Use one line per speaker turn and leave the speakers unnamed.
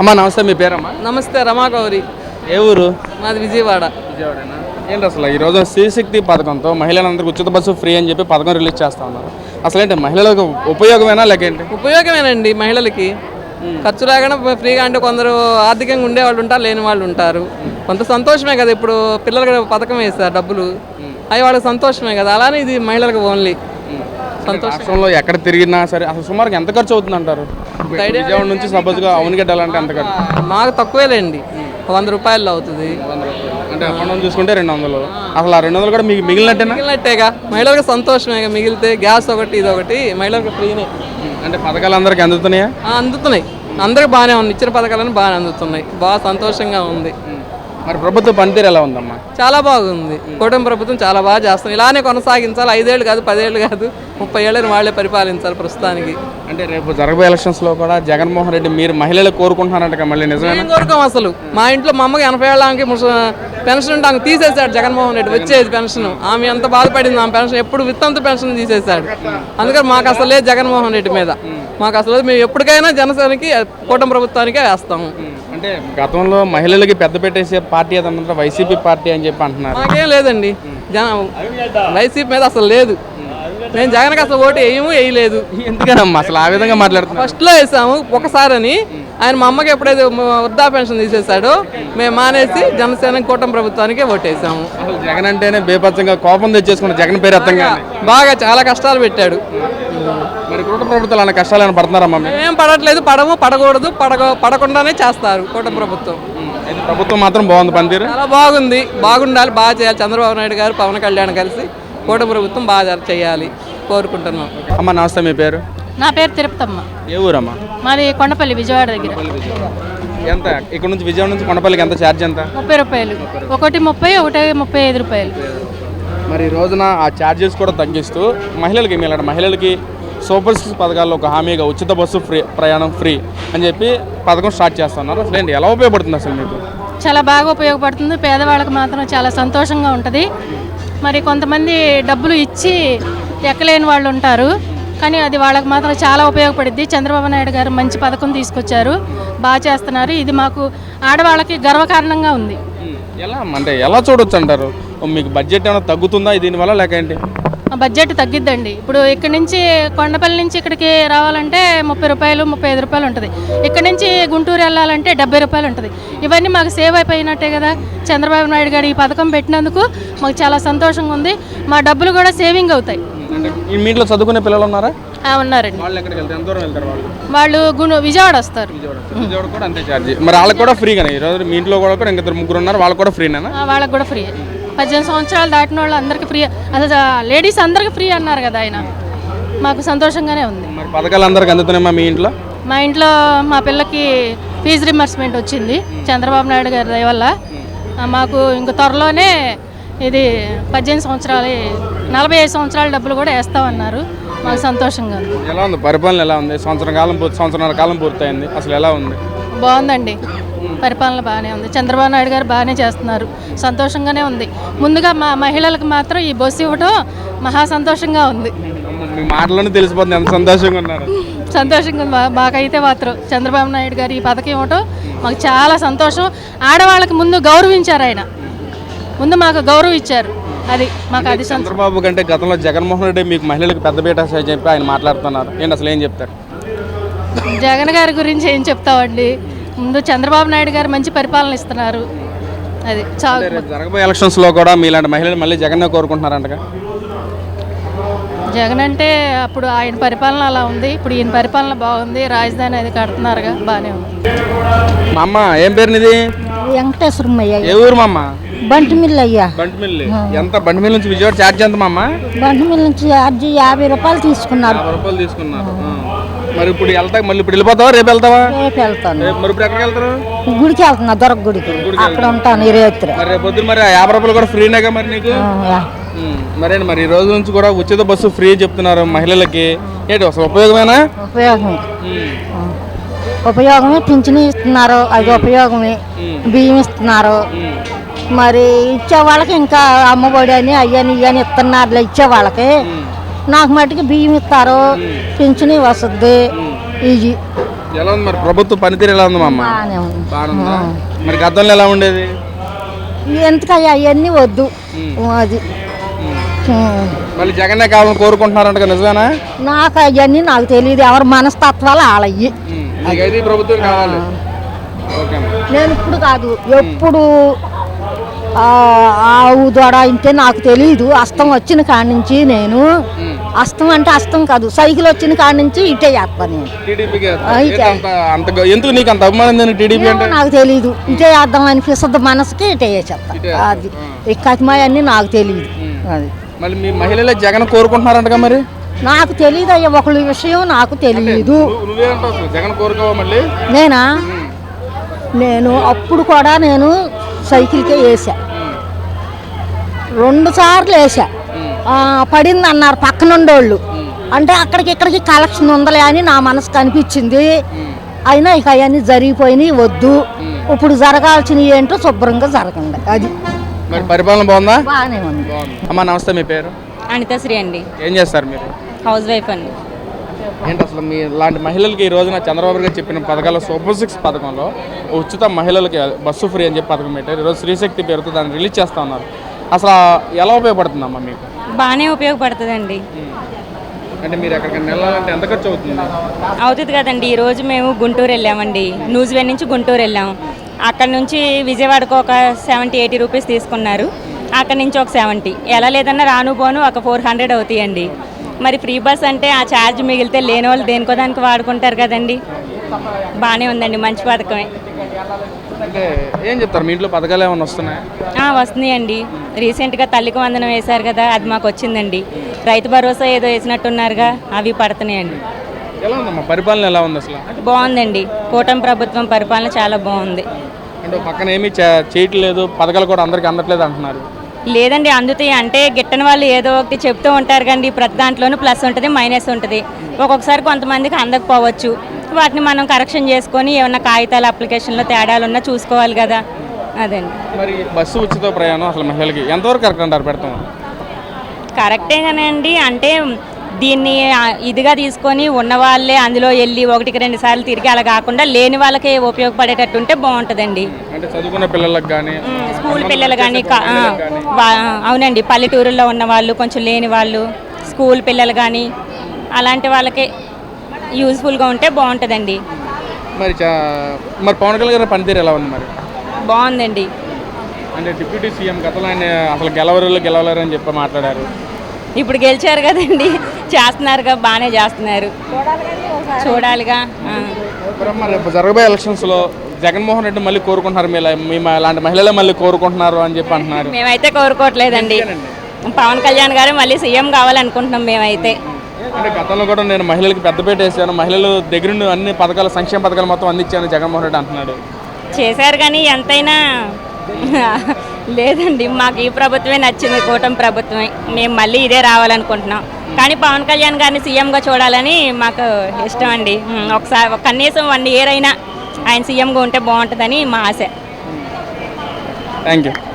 అమ్మా నమస్తే, మీ పేరమ్మా?
నమస్తే, రమాగౌరి.
ఏ ఊరు?
మాది విజయవాడ.
విజయవాడేనా? ఏంటి అసలు ఈరోజు శ్రీశక్తి పథకంతో మహిళలందరికీ ఉచిత బస్సు ఫ్రీ అని చెప్పి పథకం రిలీజ్ చేస్తా ఉన్నారు. అసలు ఏంటి మహిళలకు ఉపయోగమేనా లేకేంటి?
ఉపయోగమేనండి. మహిళలకి ఖర్చు రాగానే ఫ్రీగా, అంటే కొందరు ఆర్థికంగా ఉండే వాళ్ళు ఉంటారు, లేని వాళ్ళు ఉంటారు. కొంత సంతోషమే కదా. ఇప్పుడు పిల్లలకు పథకం వేస్తారు డబ్బులు, అవి వాళ్ళకి సంతోషమే కదా. అలానే ఇది మహిళలకు ఓన్లీ సంతోషం.
రాష్ట్రంలో ఎక్కడ తిరిగినా సరే అసలు సుమారుగా ఎంత ఖర్చు అవుతుంది అంటారు? విజయవాడ నుంచి సపోజ్గా అవునుగడ్డ వెళ్ళాలంటే ఎంత ఖర్చు?
మాకు తక్కువేలేండి, 100 రూపాయలు అవుతుంది.
అంటే అప్పుడు చూసుకుంటే 200. అసలు ఆ 200 కూడా మీకు
మిగిలినట్టేగా. మహిళలకు సంతోషమే. మిగిలితే గ్యాస్ ఒకటి ఇది ఒకటి మహిళలకు ఫ్రీనే.
అంటే పథకాలు అందరికీ అందుతున్నాయా?
అందుతున్నాయి, అందరికి బాగానే ఉంది. ఇచ్చిన పథకాలను బాగానే అందుతున్నాయి. బాగా సంతోషంగా ఉంది.
మరి ప్రభుత్వ పనితీరు ఎలా ఉందమ్మా?
చాలా బాగుంది. కూటమి ప్రభుత్వం చాలా బాగా చేస్తుంది. ఇలానే కొనసాగించాలి. 5 ఏళ్ళు కాదు, 10 ఏళ్ళు కాదు, 30 ఏళ్ళని వాళ్ళే పరిపాలించాలి ప్రస్తుతానికి.
అంటే రేపు జరగబోయే ఎలక్షన్స్లో కూడా జగన్మోహన్ రెడ్డి మీరు మహిళలు కోరుకుంటున్నారంట మళ్ళీ నిజమే
కోరుకోం. అసలు మా ఇంట్లో మా అమ్మకి 80 ఏళ్ళకి పెన్షన్ ఉంటే ఆమె తీసేశాడు జగన్మోహన్ రెడ్డి. వచ్చేది పెన్షన్, ఆమె ఎంత బాధపడింది. ఆమె పెన్షన్ ఎప్పుడు విత్తంతో పెన్షన్ తీసేశాడు. అందుకని మాకు అసలు లేదు జగన్మోహన్ రెడ్డి మీద. మాకు అసలు మేము ఎప్పటికైనా జనసేనకి కూటమి ప్రభుత్వానికే వేస్తాము.
అంటే గతంలో మహిళలకి పెద్ద పెట్టేసే పార్టీ ఏదన్నా వైసీపీ పార్టీ అని చెప్పి అంటున్నారు.
మాకేం లేదండి, వైసీపీ మీద అసలు లేదు. నేను జగన్కి అసలు ఓటు వేయలేదు.
ఎందుకనమ్మా అసలు ఆ విధంగా మాట్లాడుతున్నాం?
ఫస్ట్లో వేసాము ఒకసారి అని. ఆయన మా అమ్మకి ఎప్పుడైతే వృద్ధా పెన్షన్ తీసేశాడో మేము మానేసి జనసేన కూటమి ప్రభుత్వానికే ఓటేసాము.
అసలు జగన్ అంటేనే బేపచ్చంగా కోపం తెచ్చేసుకున్న జగన్ పేరు అర్థంగా
బాగా చాలా కష్టాలు పెట్టాడు.
మరి కూటమి ప్రభుత్వాలు అన్న కష్టాలను పడుతున్నారమ్మా?
మేము పడట్లేదు, పడకూడదు, పడకుండానే చేస్తారు కూటమి ప్రభుత్వం.
ప్రభుత్వం మాత్రం బాగుంది, పనితీరు
చాలా బాగుంది. బాగుండాలి, బాగా చేయాలి. చంద్రబాబు నాయుడు గారు, పవన్ కళ్యాణ్ కలిసి కూటమి ప్రభుత్వం బాగా చేయాలి కోరుకుంటున్నాం.
అమ్మ నమస్తే, మీ పేరు?
నా పేరు తిరుపతమ్మ.
ఏ ఊరమ్మా?
మాది కొండపల్లి, విజయవాడ దగ్గర.
ఎంత ఇక్కడ నుంచి విజయవాడ నుంచి కొండపల్లికి ఎంత ఛార్జ్? ఎంత?
30 రూపాయలు. ఒకటి 30, ఒకటి 35 రూపాయలు.
మరి ఈ రోజున ఆ ఛార్జెస్ కూడా తగ్గిస్తూ మహిళలకి సూపర్ సిక్స్ పథకాల్లో ఒక హామీగా ఉచిత బస్సు ఫ్రీ, ప్రయాణం ఫ్రీ అని చెప్పి పథకం స్టార్ట్ చేస్తున్నారు. అసలు ఏంటి, ఎలా ఉపయోగపడుతుంది అసలు మీకు?
చాలా బాగా ఉపయోగపడుతుంది. పేదవాళ్ళకి మాత్రం చాలా సంతోషంగా ఉంటుంది. మరి కొంతమంది డబ్బులు ఇచ్చి ఎక్కలేని వాళ్ళు ఉంటారు, కానీ అది వాళ్ళకి మాత్రం చాలా ఉపయోగపడుద్ది. చంద్రబాబు నాయుడు గారు మంచి పథకం తీసుకొచ్చారు, బాగా చేస్తున్నారు. ఇది మాకు ఆడవాళ్ళకి గర్వకారణంగా ఉంది.
ఎలా చూడొచ్చు అంటారు? మీకు బడ్జెట్ ఏమైనా తగ్గుతుందా దీనివల్ల లేకేంటి?
బడ్జెట్ తగ్గిద్దండి. ఇప్పుడు ఇక్కడ నుంచి కొండపల్లి నుంచి ఇక్కడికి రావాలంటే 30 రూపాయలు, 35 రూపాయలు ఉంటుంది. ఇక్కడ నుంచి గుంటూరు వెళ్ళాలంటే 70 రూపాయలు ఉంటుంది. ఇవన్నీ మాకు సేవ్ అయిపోయినట్టే కదా. చంద్రబాబు నాయుడు గారు ఈ పథకం పెట్టినందుకు మాకు చాలా సంతోషంగా ఉంది. మా డబ్బులు కూడా సేవింగ్ అవుతాయి.
మీ ఇంట్లో చదువుకునే పిల్లలు ఉన్నారా?
ఉన్నారండి.
వాళ్ళు
విజయవాడ వస్తారు.
విజయవాడ కూడా అంతే ఛార్జ్. మరి వాళ్ళకి కూడా ఫ్రీగానే ఈరోజు మీ ఇంట్లో కూడా ఇంకా 3 ఉన్నారు, వాళ్ళకి కూడా ఫ్రీనా?
వాళ్ళకి కూడా ఫ్రీ. 18 సంవత్సరాలు దాటిన వాళ్ళు అందరికీ ఫ్రీ. అసలు లేడీస్ అందరికీ ఫ్రీ అన్నారు కదా ఆయన. మాకు సంతోషంగానే ఉంది.
మరి పథకాలు అందరికి అందుతున్నాయమ్మా మీ ఇంట్లో?
మా ఇంట్లో మా పిల్లకి ఫీజు రింబర్స్మెంట్ వచ్చింది చంద్రబాబు నాయుడు గారి దయ వల్ల. మాకు ఇంక త్వరలోనే ఇది 18 సంవత్సరాలు, 45 సంవత్సరాల డబ్బులు కూడా వేస్తామన్నారు. మాకు సంతోషంగా ఉంది.
ఎలా ఉంది పరిపాలన? ఎలా ఉంది? సంవత్సరాల కాలం పూర్తయింది, అసలు ఎలా ఉంది?
బాగుందండి, పరిపాలన బాగానే ఉంది. చంద్రబాబు నాయుడు గారు బాగానే చేస్తున్నారు, సంతోషంగానే ఉంది. ముందుగా మా మహిళలకు మాత్రం ఈ బస్సు ఇవ్వటం మహా సంతోషంగా ఉంది.
మీ మాటలోనే తెలిసిపోతుంది ఎంత సంతోషంగా ఉన్నారు.
సంతోషంగా ఉంది మాకైతే మాత్రం. చంద్రబాబు నాయుడు గారు ఈ పథకం ఇవ్వటం మాకు చాలా సంతోషం. ఆడవాళ్ళకి ముందు గౌరవించారు ఆయన, ముందు మాకు గౌరవం ఇచ్చారు. అది మాకు అది.
చంద్రబాబు కంటే గతంలో జగన్మోహన్ రెడ్డి మీకు మహిళలకు పెద్దపీట చెప్పి ఆయన మాట్లాడుతున్నారు. ఏంటి అసలు ఏం చెప్తారు?
జగన్ గారి గురించి ఏం చెప్తామండి, ముందు చంద్రబాబు నాయుడు గారు మంచి పరిపాలన ఇస్తున్నారు. అది చాలా.
జరగబోయే ఎలక్షన్స్లో కూడా మీలాంటి మహిళలు మళ్ళీ జగన్నే కోరుకుంటున్నారంటగా?
జగన్ అంటే అప్పుడు ఆయన పరిపాలన అలా ఉంది, ఇప్పుడు ఈయన పరిపాలన బాగుంది. రాజధాని అది కడుతున్నారుగా, బాగానే ఉంది.
మా అమ్మ ఏం పేరు నీది?
వెంకటేశ్వరమయ్య.
ఏ ఊరు మా అమ్మ?
బంటిమిల్లి అయ్యా.
బంటిమిల్లి. ఎంత? బంటిమిల్లి నుంచి విజయవాడ ఛార్జ్ ఎంత మా అమ్మ?
బంటిమిల్లి నుంచి ఛార్జ్ 50 రూపాయలు తీసుకున్నారు.
50 రూపాయలు తీసుకున్నారు. మరి ఇప్పుడు మళ్ళీ ఇప్పుడు వెళ్ళిపోతావా? రేపు వెళ్తావా?
రేపు వెళ్తాను.
మరి ఇప్పుడు ఎక్కడికి వెళ్తారు?
గుడికి వెళ్తున్నా, దొరక గుడికి. అక్కడ ఉంటాను ఈ రాత్రి.
మరి రేపు పొద్దున మరి 50 రూపాయలు కూడా ఫ్రీనేగా మరి నీకు? మరి ఈ రోజు నుంచి కూడా ఉచిత బస్సు ఫ్రీ చెప్తున్నారు మహిళలకి. ఏంటి అసలు ఉపయోగమేనా?
ఉపయోగమే. పింఛను ఇస్తున్నారు, అది ఉపయోగమే. బియ్యం ఇస్తున్నారు. మరి ఇచ్చే వాళ్ళకి ఇంకా అమ్మఒడి అని అయ్యని ఇయ్యని ఇస్తున్నారు. ఇచ్చే వాళ్ళకి నాకు మట్టుకు బియ్యం ఇస్తారు, పింఛను వస్తుంది. ఇది
ఎలా ఉంది మరి ప్రభుత్వ పనితీరు ఎలా ఉంది మా అమ్మ?
బాగానే ఉంది.
బాగుందా? మరి గతంలో ఎలా ఉండేది?
ఎందుకయ్యా అవన్నీ వద్దు అది
మళ్ళీ జగన్నే కావాలని కోరుకుంటున్నారంట కదా, నిజమేనా?
నాకు అవన్నీ నాకు తెలియదు, ఎవరి మనస్తత్వాలు వాళ్ళయ్యి.
నీకైతే ఈ ప్రభుత్వం కావాలి. ఓకే అమ్మా.
నేను ఇప్పుడు కాదు ఎప్పుడు ఆవు దొడ ఇంటే నాకు తెలియదు. అస్తం వచ్చిన కాడి నుంచి నేను అస్తం అంటే అస్తం కాదు, సైకిల్ వచ్చిన కాడి నుంచి ఇటే చేస్తాను నేను.
టీడీపీకి
అయితే.
ఎందుకు నీకు అంత అభిమానం ఉంది టీడీపీ అంటే?
ఏమో నాకు తెలియదు, ఇటే చేద్దాం అనిపిస్తుంది మనసుకి, ఇటే చేస్తా. అది ఈ కతిమాయన్నీ నాకు తెలియదు. అది
మళ్ళీ మీ మహిళలే జగన్ కోరుకుంటున్నారంటగా మరి?
నాకు తెలియదు అయ్యా, ఒకళ్ళ విషయం నాకు తెలియదు.
నువ్వేంటావు అసలు? జగన్ కోరుకోవా మళ్ళీ?
నేను అప్పుడు కూడా నేను సైకిల్కే వేసా, 2 సార్లు వేసా. పడింది అన్నారు పక్కనుండోళ్ళు, అంటే అక్కడికి ఇక్కడికి కలెక్షన్ ఉందలే అని నా మనసుకు అనిపించింది. అయినా ఇక అవన్నీ జరిగిపోయినాయి, వద్దు. ఇప్పుడు జరగాల్సినవి ఏంటో శుభ్రంగా జరగండి. అది
మరి పరిపాలన బాగుందా?
బాగానే ఉంది.
అమ్మా నమస్తే, మీ పేరు?
అనితశ్రీ అండి,
ఏం చేస్తారు మీరు?
హౌస్ వైఫ్ అండి.
ఏంటి అసలు మీ లాంటి మహిళలకి ఈ రోజున చంద్రబాబు గారు చెప్పిన పథకాల సూపర్ 6 పథకంలో ఉచిత మహిళలకి బస్సు ఫ్రీ అని చెప్పి పథకం పెట్టారు. ఈరోజు శ్రీశక్తి పేరుతో దాన్ని రిలీజ్ చేస్తూ ఉన్నారు. అసలు ఎలా ఉపయోగపడుతుందమ్మా మీకు?
బాగానే ఉపయోగపడుతుందండి.
అంటే మీరు ఎక్కడికైనా వెళ్ళాలంటే ఎంత ఖర్చు అవుతుంది?
అవుతుంది కదండి. ఈరోజు మేము గుంటూరు వెళ్ళామండి, న్యూజిలాండ్ నుంచి గుంటూరు వెళ్ళాము. అక్కడ నుంచి విజయవాడకు ఒక 70-80 రూపీస్ తీసుకున్నారు, అక్కడ నుంచి ఒక 70. ఎలా లేదన్నా రాను పోను ఒక 400 అవుతాయండి. మరి ఫ్రీ బస్ అంటే ఆ ఛార్జ్ మిగిలితే లేని వాళ్ళు దేనికో దానికి వాడుకుంటారు కదండి. బాగానే ఉందండి, మంచి పథకమే.
అంటే ఏం చెప్తారు, మీ ఇంట్లో పథకాలు ఏమైనా వస్తున్నాయా?
వస్తున్నాయండి. రీసెంట్గా తల్లికి వందనం వేశారు కదా, అది మాకు వచ్చిందండి. రైతు భరోసా ఏదో వేసినట్టున్నారుగా, అవి పడుతున్నాయండి.
ఎలా ఉందమ్మా పరిపాలన, ఎలా ఉంది అసలు?
బాగుందండి, కూటమి ప్రభుత్వం పరిపాలన చాలా బాగుంది.
అంటే పక్కన ఏమీ చేయట్లేదు, పథకాలు కూడా అందరికీ అందట్లేదు అంటున్నారు.
లేదండి, అందుతాయి. అంటే గిట్టని వాళ్ళు ఏదో ఒకటి చెప్తూ ఉంటారు కండి. ప్రతి దాంట్లోనూ ప్లస్ ఉంటుంది, మైనస్ ఉంటుంది. ఒక్కొక్కసారి కొంతమందికి అందకపోవచ్చు, వాటిని మనం కరెక్షన్ చేసుకొని ఏమన్నా కాగితాల అప్లికేషన్లో తేడాలు ఉన్నా చూసుకోవాలి కదా. అదండి.
మరి బస్సు ఉచిత ప్రయాణం అసలు మహిళలకి ఎంతవరకు కరెక్ట్ అంటారు? పెడతాం
కరెక్టే కానండి. అంటే దీన్ని ఇదిగా తీసుకొని ఉన్నవాళ్ళే అందులో వెళ్ళి 1-2 సార్లు తిరిగి అలా కాకుండా లేని వాళ్ళకే ఉపయోగపడేటట్టు ఉంటే బాగుంటుందండి.
అంటే చదువుకున్న పిల్లలకు కానీ,
స్కూల్ పిల్లలు కానీ, అవునండి, పల్లెటూరుల్లో ఉన్న వాళ్ళు, కొంచెం లేని వాళ్ళు, స్కూల్ పిల్లలు కానీ అలాంటి వాళ్ళకే యూజ్ఫుల్గా ఉంటే బాగుంటుందండి.
మరి మరి పవన్ కళ్యాణ్ గారి పనితీరు ఎలా ఉంది మరి?
బాగుందండి.
అంటే డిప్యూటీ సీఎం గతంలో ఆయన అసలు గెలవలేరు అని చెప్పి మాట్లాడారు.
ఇప్పుడు గెలిచారు కదండి, చేస్తున్నారుగా, బాగానే చేస్తున్నారు. చూడాలిగా.
మరి రేపు జరగబోయే ఎలక్షన్స్లో జగన్మోహన్ రెడ్డి మళ్ళీ కోరుకుంటున్నారు, మీ లాంటి మహిళలే మళ్ళీ కోరుకుంటున్నారు అని చెప్పి అంటున్నారు.
మేమైతే కోరుకోవట్లేదండి, పవన్ కళ్యాణ్ గారు మళ్ళీ సీఎం కావాలనుకుంటున్నాం మేమైతే.
అంటే గతంలో కూడా నేను మహిళలకు పెద్దపీట వేసాను, మహిళలు దగ్గర అన్ని పథకాలు, సంక్షేమ పథకాలు మొత్తం అందించాను జగన్మోహన్ రెడ్డి అంటున్నాడు.
చేశారు కానీ ఎంతైనా లేదండి, మాకు ఈ ప్రభుత్వమే నచ్చింది, కూటమి ప్రభుత్వమే. మేము మళ్ళీ ఇదే రావాలనుకుంటున్నాం. కానీ పవన్ కళ్యాణ్ గారిని సీఎంగా చూడాలని మాకు ఇష్టం అండి. ఒకసారి కనీసం 1 year అయినా ఆయన సీఎంగా ఉంటే బాగుంటుందని మా ఆశ.
Thank you.